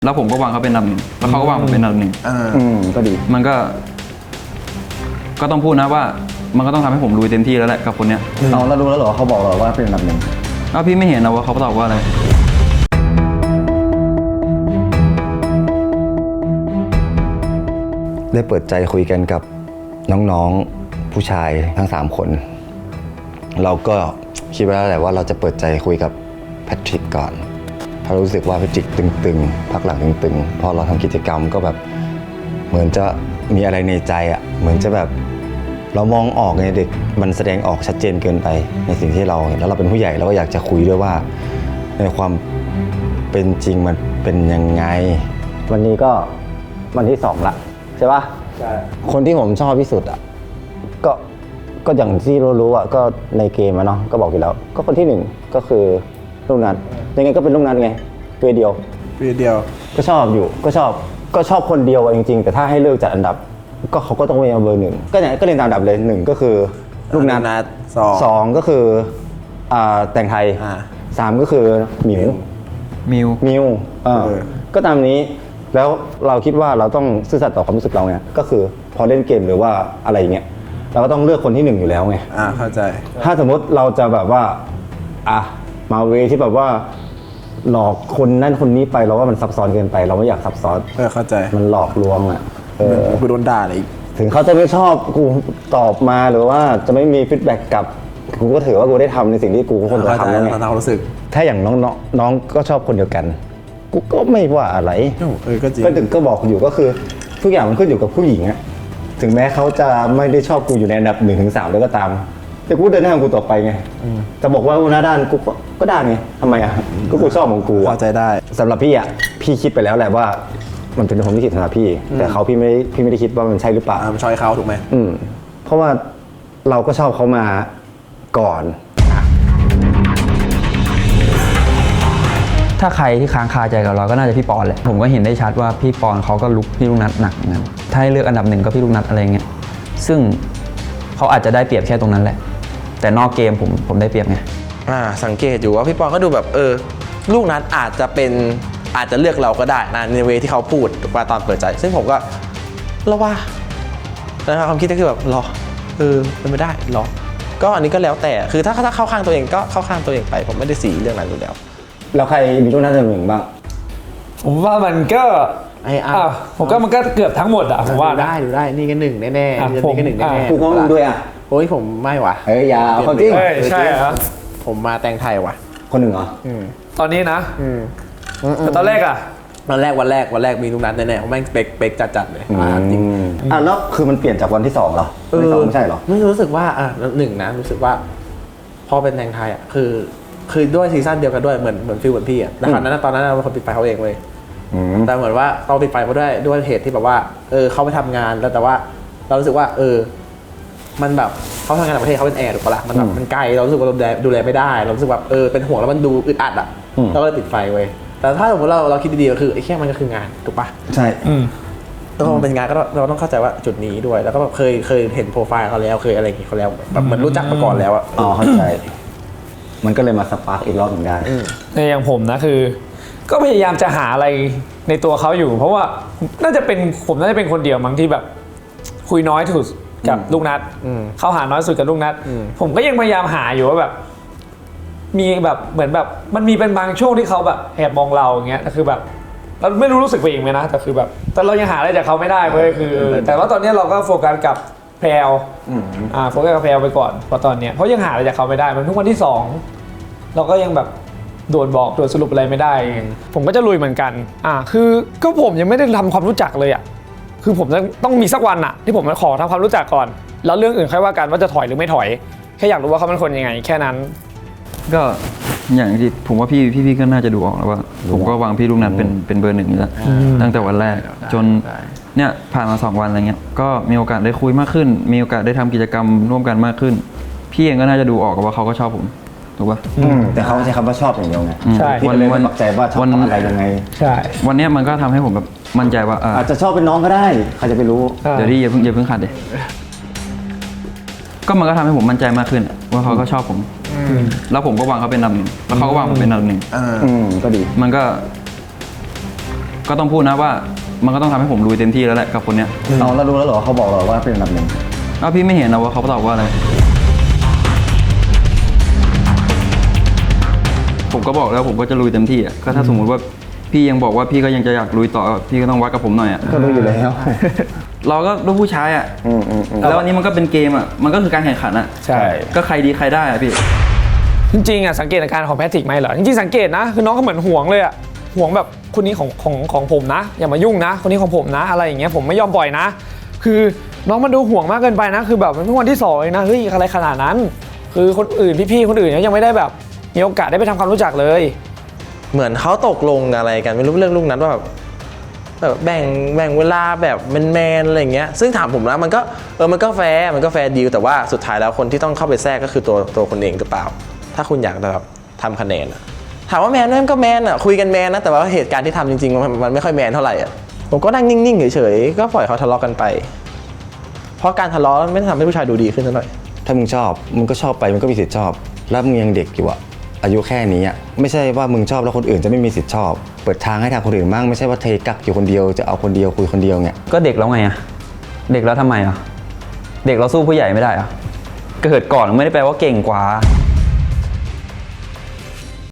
แล้วผมก็วางเขาเป็นอันดับหนึ่งแล้วเขาก็วางผมเป็นอันดับหนึ่งก็ดีมันก็ต้องพูดนะว่ามันก็ต้องทำให้ผมลุยเต็มที่แล้วแหละกับคนเนี้ยเรารู้แล้วเหรอเขาบอกเราว่าเป็นอันดับหนึ่งพี่ไม่เห็นนะว่าเขาตอบว่าอะไรได้เปิดใจคุยกันกับน้องๆผู้ชายทั้ง3คนเราก็คิดไว้แล้วแหละว่าเราจะเปิดใจคุยกับแพทริกก่อนเพราะรู้สึกว่าแพทริกตึงๆพักหลังตึงๆพอเราทำกิจกรรมก็แบบเหมือนจะมีอะไรในใจอ่ะเหมือนจะแบบเรามองออกไงเด็กมันแสดงออกชัดเจนเกินไปในสิ่งที่เราเห็นแล้วเราเป็นผู้ใหญ่เราก็อยากจะคุยด้วยว่าในความเป็นจริงมันเป็นยังไงวันนี้ก็วันที่2ละใช่ปะใช่คนที่ผมชอบที่สุดอ่ะก็อย่างที่รู้อ่ะก็ในเกมอะเนาะก็บอกอยู่แล้วก็คนที่1ก็คือลูกนัดยังไงก็เป็นลูกนัดไงเวเดียวก็ชอบอยู่ก็ชอบคนเดียวจริงๆแต่ถ้าให้เลือกจัดอันดับก็เขาก็ต้องเป็นเบอร์ 1ก็เนี่ยก็เรียนตามอันดับเลย1ก็คือลูกนัด2ก็คือแต่งไทย3ก็คือมิวก็ตามนี้แล้วเราคิดว่าเราต้องซื่อสัตย์ต่อความรู้สึกเราไงก็คือพอเล่นเกมหรือว่าอะไรเงี้ยเราก็ต้องเลือกคนที่1อยู่แล้วไงเข้าใจถ้าสมมติเราจะแบบว่ามาเวที่แบบว่าหลอกคนนั่นคนนี้ไปเราว่ามันซับซ้อนเกินไปเราไม่อยากซับซ้อนเข้าใจมันหลอกลวงกูโดนด่าเลยถึงเขาจะไม่ชอบกูตอบมาหรือว่าจะไม่มีฟีดแบ็กกลับกูก็ถือว่ากูได้ทำในสิ่งที่กูควรจะทำแล้วไงรู้สึกถ้าอย่างน้องก็ชอบคนเดียวกันกูก็ไม่ว่าอะไรก็จริงก็บอกอยู่ก็คือทุกอย่างมันขึ้นอยู่กับผู้หญิงอะถึงแม้เขาจะไม่ได้ชอบกูอยู่ในอันดับ 1-3 แล้วก็ตามแต่กูเดินหน้าของกูต่อไปไงจะบอกว่าหน้าด้านกูก็ได้ไงทำไมก็กูชอบของกูเข้าใจได้สำหรับพี่พี่คิดไปแล้วแหละว่ามันเป็นผมที่คิดสำหรับพี่แต่เขาพี่ไม่ได้คิดว่ามันใช่หรือเปล่ามันชอยเขาถูกไหมเพราะว่าเราก็ชอบเขามาก่อนถ้าใครที่ค้างคาใจกับเราก็น่าจะพี่ปอนแหละผมก็เห็นได้ชัดว่าพี่ปอนเขาก็ลุกพี่ลูกนัดหนักเหมือนกันถ้าให้เลือกอันดับ1ก็พี่ลูกนัดอะไรเงี้ยซึ่งเขาอาจจะได้เปรียบแค่ตรงนั้นแหละแต่นอกเกมผมได้เปรียบไงสังเกตอยู่ว่าพี่ปอนก็ดูแบบลูกนัดอาจจะเลือกเราก็ได้นะในเวที่เขาพูดว่าตอนเปิดใจซึ่งผมก็รอว่าแล้วความคิดก็คือแบบรอเป็นไม่ได้รอก็อันนี้ก็แล้วแต่คือถ้าเข้าข้างตัวเองก็เข้าข้างตัวเองไปผมไม่ได้สีเรื่องนั้นอยู่แล้วแล้วใครมีลูกนัด1บ้างผมว่ามันก็ผมก็มันก็เกือบทั้งหมดผมว่าดูได้นี่ก็1แน่ๆนี่ก็1แน่ๆกูก็มึงด้วยโอ้ยผมไม่ว่ะอย่าเอาจริงใช่ครับผมมาแต่งไทยว่ะคน1เหรอตอนนี้นะแต่ตอนแรกวันแรกมีลูกนัดแน่ๆผมแม่งเป๊กจัดเลยจริงแล้วคือมันเปลี่ยนจากวันที่2เหรอวันที่2ไม่ใช่เหรอไม่รู้สึกว่า1นะรู้สึกว่าพอเป็นแต่งไทยคือด้วยซีซั่นเดียวกันด้วยเหมือนฟิลเหมือนพี่แต่ตอนนั้นเราเป็นคนปิดไฟเขาเองเลยแต่เหมือนว่าเราปิดไฟเขาด้วยเหตุที่แบบว่าเขาไปทำงานแล้วแต่ว่าเรารู้สึกว่ามันแบบเขาทำงานต่างประเทศเขาเป็นแอร์ถูกปะล่ะมันแบบมันไกลเรารู้สึกว่าเราดูแลไม่ได้เรารู้สึกแบบเป็นห่วงแล้วมันดูอึดอัดเราก็เลยปิดไฟไว้แต่ถ้าสมมติเราคิดดีๆก็คือไอ้แค่มันก็คืองานถูกปะใช่แล้วพอมันเป็นงานก็เราต้องเข้าใจว่าจุดนี้ด้วยแล้วก็แบบเคยเห็นโปรไฟล์เขาแล้วเคยอะไรอย่างงี้เขาแล้วแบบเหมือนรู้จักมาก่อนแล้วเข้าใจมันก็เลยมาสปาร์กอีกรอบหนึ่งได้ในอย่างผมนะคือก็พยายามจะหาอะไรในตัวเขาอยู่เพราะว่าผมน่าจะเป็นคนเดียวมั้งที่แบบคุยน้อยที่สุดกับลูกนัดเขาหาน้อยสุดกับลูกนัดผมก็ยังพยายามหาอยู่ว่าแบบมีแบบเหมือนแบบมันมีเป็นบางช่วงที่เขาแบบแอบมองเราอย่างเงี้ยคือแบบเราไม่รู้สึกไปเองไหมนะแต่คือแบบแต่เรายังหาอะไรจากเขาไม่ได้เว้ยคือแต่ว่าตอนนี้เราก็โฟกัสกับแพลวโฟกัสกับแพลวไปก่อนเพราะตอนเนี้ยเพราะยังหาอะไรจากเขาไม่ได้มันทุกวันที่2เราก็ยังแบบโดนสรุปอะไรไม่ได้ผมก็จะลุยเหมือนกันคือก็ผมยังไม่ได้ทำความรู้จักเลยคือผมต้องมีสักวันที่ผมขอทำความรู้จักก่อนแล้วเรื่องอื่นค่อยว่ากันว่าจะถอยหรือไม่ถอยแค่อยากรู้ว่าเขาเป็นคนยังไงแค่นั้นก็อย่างที่ผมว่าพี่ก็น่าจะดูออกแล้วว่าผมก็วางพี่ลูกนัดเป็นเบอร์ 1แล้วตั้งแต่วันแรกจนเนี่ยผ่านมา2วันอะไรเงี้ยก็มีโอกาสได้คุยมากขึ้นมีโอกาสได้ทำกิจกรรมร่วมกันมากขึ้นพี่เองก็น่าจะดูออกว่าเขาก็ชอบผมถูกป่ะแต่เขาใช้คำว่าชอบอย่างเดียวไงใช่วันปักใจว่าชอบอะไรยังไงใช่วันนี้มันก็ทำให้ผมแบบมั่นใจว่าอาจจะชอบเป็นน้องก็ได้ใครจะไปรู้เดี๋ยวที่อย่าเพิ่งขัดเลยก็มันก็ทำให้ผมมั่นใจมากขึ้นว่าเขาก็ชอบผมแล้วผมก็วางเขาเป็นอันดับ 1แล้วเขาก็วางผมเป็นอันดับ 1 ก็ดีมันก็ก็ต้องพูดนะว่ามันก็ต้องทำให้ผมลุยเต็มที่แล้วแหละกับคนเนี้ยเอาแล้วรู้แล้วเหรอเขาบอกเราว่าเป็นอันดับหนึ่งอ้าวพี่ไม่เห็นนะว่าเขาตอบว่าอะไรผมก็บอกแล้วผมก็จะลุยเต็มที่อ่ะก็ถ้าสมมุติว่าพี่ยังบอกว่าพี่ก็ยังจะอยากลุยต่อพี่ก็ต้องวัดกับผมหน่อยอ่ะก็รู้อยู่แล้วเราก็ลูกผู้ชายอ่ะแล้วอันนี้มันก็เป็นเกมอ่ะมันก็คือการแข่งขันอ่ะใช่ก็ใครดีใครได้อ่ะพี่จริงๆอ่ะสังเกตอาการของแพทริกไหมเหรอจริงๆสังเกตนะคือน้องก็เหมือนห่วงเลยอ่ะห่วงแบบคนนี้ของผมนะอย่ามายุ่งนะ คนนี้ของผมนะอะไรอย่างเงี้ยผมไม่ยอมปล่อยนะ คือน้องมันดูห่วงมากเกินไปนะคือแบบมันเพิ่งวันที่2เองนะเฮ้ยอะไรขนาดนั้น คือคนอื่นพี่ๆคนอื่นยังไม่ได้แบบมีโอกาสได้ไปทำความรู้จักเลยเหมือนเขาตกลงอะไรกันไม่รู้เรื่องลูกนัดว่าแบบแบ่งเวลาแบบแมนๆอะไรอย่างเงี้ยซึ่งถามผมนะมันก็มันก็แฟร์ดีลแต่ว่าสุดท้ายแล้วคนที่ต้องเข้าไปแทรกก็คือตัวคนเองหรือเปล่า ถ้าคุณอยากแบบทำคะแนนอะถามว่าแมนไหมก็แมนอะคุยกันแมนนะแต่ว่าเหตุการณ์ที่ทำจริงๆมันไม่ค่อยแมนเท่าไหร่อะผมก็นั่งนิ่งๆเฉยๆก็ปล่อยเขาทะเลาะกันไป เพราะการทะเลาะไม่ได้ทำให้ผู้ชายดูดีขึ้นเท่าไหร่ถ้ามึงชอบมึงก็ชอบไปมึงก็มีสิทธิ์ชอบ แล้วมึงยังเด็กอยู่อะอายุแค่นี้อะไม่ใช่ว่ามึงชอบแล้วคนอื่นจะไม่มีสิทธิ์ชอบ เปิดทางให้ทางคนอื่นบ้างไม่ใช่ว่าเทกักอยู่คนเดียวจะเอาคนเดียวคุยคนเดียวเนี่ยก็เด็กแล้วไงอ่ะเด็กแล้วทำไมอ่ะเด็กเราสู้ผู้ใหญ่ไม่ได้อ่ะเกิดก่อนไม่ได้แปลว่าเก่งกว่า